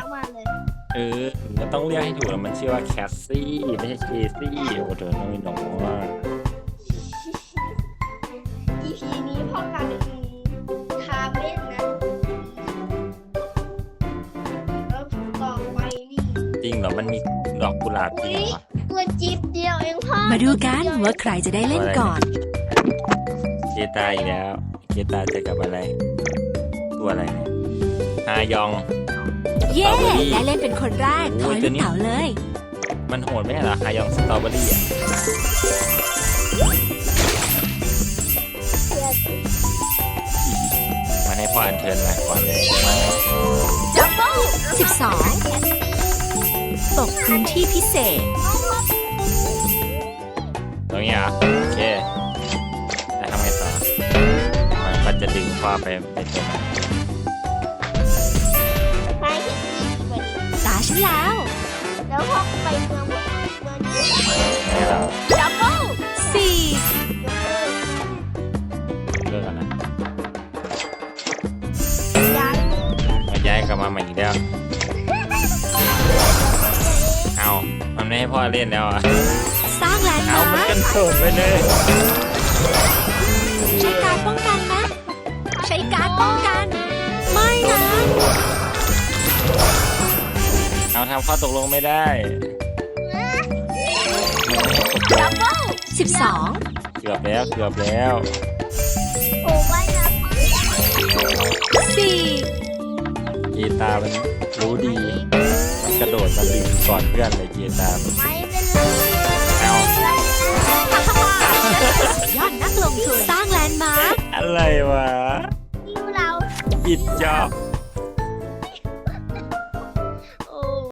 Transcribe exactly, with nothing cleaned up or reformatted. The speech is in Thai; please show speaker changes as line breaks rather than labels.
ทั้งวันเลย
เออมันต้องเรียกให้ถูกแล้วมันชื่อว่าแคสซี่ไม่ใช่เคซี่โอ้เธอน้อยน้องว่า
อี พี นี้พ่อกลายเป็นคาเม่นนะแล้วต่อไปนี่
จริงเหรอมันมีดอกกุหลาบจริงเหรอ
ตัวจิ๊บเดียวเองพ่อ
มาดูกันว่าใครจะได้เล่นก่อน
เคตาอีกแล้วเคตาเจอกับอะไร ตัวอะไรเนี่ยฮายอง
เย้
สตรอเบอรี่
ได้เล่นเป็นคนแรก
โอ้
ถอย ย
ตั
ลู
ว
ก
นี้
เต๋าเลย
มันโหดไหมเหรอฮายองสตรอเบอรี่อ่ะมาให้พ่ออัญเชิญมาก่อนเลยมา
ดับเบิลสิบสองตกพื้นที่พิเศษ
ตรงนี้เหรอ่ะโอเคแล้วทำไงต่อมันก็จะดึงพ่อไปไปตรงนั้น
ไปที่อีกวันนี้
ตาฉันแล้ว
แล้วพ่อไปเมืองเมืองนี้
ไงเรา
ดับเบิลสี่
เลิกกันนะ
ย้าย
มาย้ายกลับมาใหม่อีกแล้วเอามันไม่ให้พ่อเล่นแล้วอ่ะ
สร้างแลนด์
เอา
มา
มัน
ร์ค
กันโดดไปเลย
ใช้การป้องกันนะ ใช้การป้องกัน ไม่นะ
เอาทำข้อตกลงไม่ได้
ดับเบิลสิบสอง
เกือบแล้วเกือบแล้ว
โอ้ไว้นะ
สี่
กีตาร์มันรู้ดีมันกระโดดมาดึงก่อนเพื่อนเลยกีตาร์มัน
ไม่เป็นไร
เอา
ยอดนักลงทุนสร้างแลนด์มาร์ค
อะไรวะ
ที่เรา
ปิดจอบ